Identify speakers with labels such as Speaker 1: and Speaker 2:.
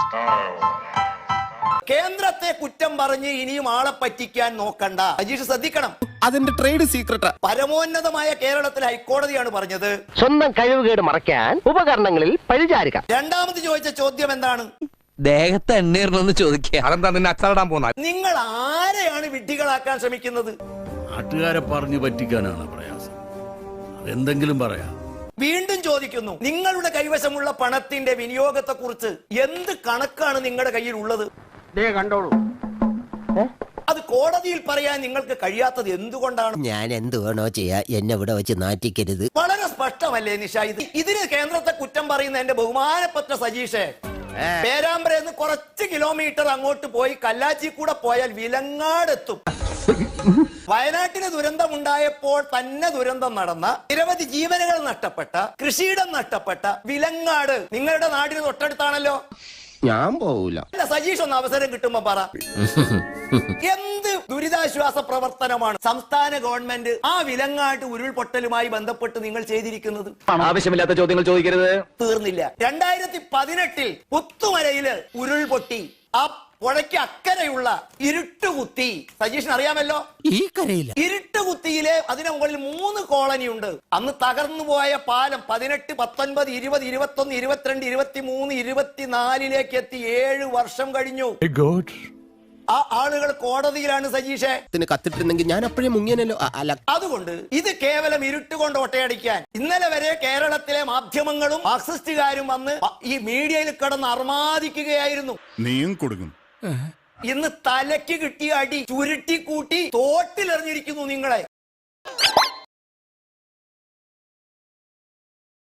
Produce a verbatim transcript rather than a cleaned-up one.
Speaker 1: കേന്ദ്രത്തെ കുറ്റം പറഞ്ഞ് ഇനിയും ആളെ പറ്റിക്കാൻ നോക്കണ്ട. അജീഷ് ശ്രദ്ധിക്കണം,
Speaker 2: അതിന്റെ ട്രേഡ് സീക്രട്ടാ.
Speaker 1: പരമോന്നതമായ കേരളത്തിലെ ഹൈക്കോടതിയാണ് പറഞ്ഞത്
Speaker 3: സ്വന്തം കഴിവുകേട് മറയ്ക്കാൻ ഉപകരണങ്ങളിൽ പരിചാരിക.
Speaker 1: രണ്ടാമത് ചോദിച്ച ചോദ്യം എന്താണ്?
Speaker 4: ദേഹത്ത് എണ്ണീർന്ന് ചോദിക്കുക.
Speaker 2: അതെന്താ നിന്നെ അച്ചാടാൻ പോന്ന?
Speaker 1: നിങ്ങൾ ആരെയാണ് വിഡ്ഢികളാക്കാൻ ശ്രമിക്കുന്നത്?
Speaker 5: നാട്ടുകാരെ പറഞ്ഞു പറ്റിക്കാനാണ് പ്രയാസം. അതെന്തെങ്കിലും പറയാം.
Speaker 1: വീണ്ടും ചോദിക്കുന്നു, നിങ്ങളുടെ കൈവശമുള്ള പണത്തിന്റെ വിനിയോഗത്തെ കുറിച്ച് എന്ത് കണക്കാണ് നിങ്ങളുടെ കയ്യിൽ ഉള്ളത്?
Speaker 3: കണ്ടോളൂ.
Speaker 1: അത് കോടതിയിൽ പറയാൻ നിങ്ങൾക്ക് കഴിയാത്തത് എന്തുകൊണ്ടാണ്?
Speaker 6: ഞാൻ എന്ത് വേണോ ചെയ്യാ, എന്നെ ഇവിടെ വെച്ച് നാറ്റിക്കരുത്.
Speaker 1: വളരെ സ്പഷ്ടമല്ലേ നിഷ? ഇത് ഇതിന് കേന്ദ്രത്തെ കുറ്റം പറയുന്ന എന്റെ ബഹുമാനപ്പെട്ട സജീഷേ, പേരാമ്പ്രന്ന് കുറച്ച് കിലോമീറ്റർ അങ്ങോട്ട് പോയി കല്ലാച്ചി കൂടെ പോയാൽ വിലങ്ങാടെത്തും. വയനാട്ടിന് ദുരന്തമുണ്ടായപ്പോൾ തന്നെ ദുരന്തം നടന്ന, നിരവധി ജീവനുകൾ നഷ്ടപ്പെട്ട, കൃഷിയിടം നഷ്ടപ്പെട്ട വിലങ്ങാട് നിങ്ങളുടെ നാടിന് തൊട്ടടുത്താണല്ലോ.
Speaker 2: ഞാൻ പോവൂല.
Speaker 1: അല്ല, സജീഷ് ഒന്ന് അവസരം കിട്ടുമ്പോ പറ, എന്ത് ദുരിതാശ്വാസ പ്രവർത്തനമാണ് സംസ്ഥാന ഗവൺമെന്റ് ആ വിലങ്ങാട്ട് ഉരുൾപൊട്ടലുമായി ബന്ധപ്പെട്ട് നിങ്ങൾ ചെയ്തിരിക്കുന്നത്?
Speaker 3: ആവശ്യമില്ലാത്ത ചോദ്യങ്ങൾ ചോദിക്കരുത്.
Speaker 1: തീർന്നില്ല. രണ്ടായിരത്തി പതിനെട്ടിൽ പുത്തുമലയില് ഉരുൾപൊട്ടി. ആ പുഴയ്ക്ക് അക്കരെയുള്ള ഇരുട്ടുകുത്തി, സജീഷിന് അറിയാമല്ലോ.
Speaker 6: ഈ കരയില്ല.
Speaker 1: ഇരുട്ടുകുത്തിയിലെ അതിന് മുകളിൽ മൂന്ന് കോളനി ഉണ്ട്. അന്ന് തകർന്നു പോയ പാലം പതിനെട്ട് പത്തൊൻപത് ഇരുപത് ഇരുപത്തൊന്ന് ഇരുപത്തിരണ്ട് ഇരുപത്തി മൂന്ന് ഇരുപത്തിനാലിലേക്ക് എത്തി. ഏഴ് വർഷം കഴിഞ്ഞു. ആ ആളുകൾ കോടതിയിലാണ് സജീഷേ.
Speaker 2: കത്തിട്ടിരുന്നെങ്കിൽ ഞാൻ അപ്പോഴേ മുങ്ങിയനല്ലോ. അല്ല,
Speaker 1: അതുകൊണ്ട് ഇത് കേവലം ഇരുട്ടുകൊണ്ട് ഒട്ടയടിക്കാൻ ഇന്നലെ വരെ കേരളത്തിലെ മാധ്യമങ്ങളും മാർക്സിസ്റ്റുകാരും വന്ന് ഈ മീഡിയയിൽ കിടന്ന് അർമാദിക്കുകയായിരുന്നു.
Speaker 7: നീയും കൊടുക്കും.
Speaker 1: ഇന്ന് തലയ്ക്ക് കിട്ടിയ അടി ചുരുട്ടി കൂട്ടി തോട്ടിലെറിഞ്ഞിരിക്കുന്നു നിങ്ങളെ.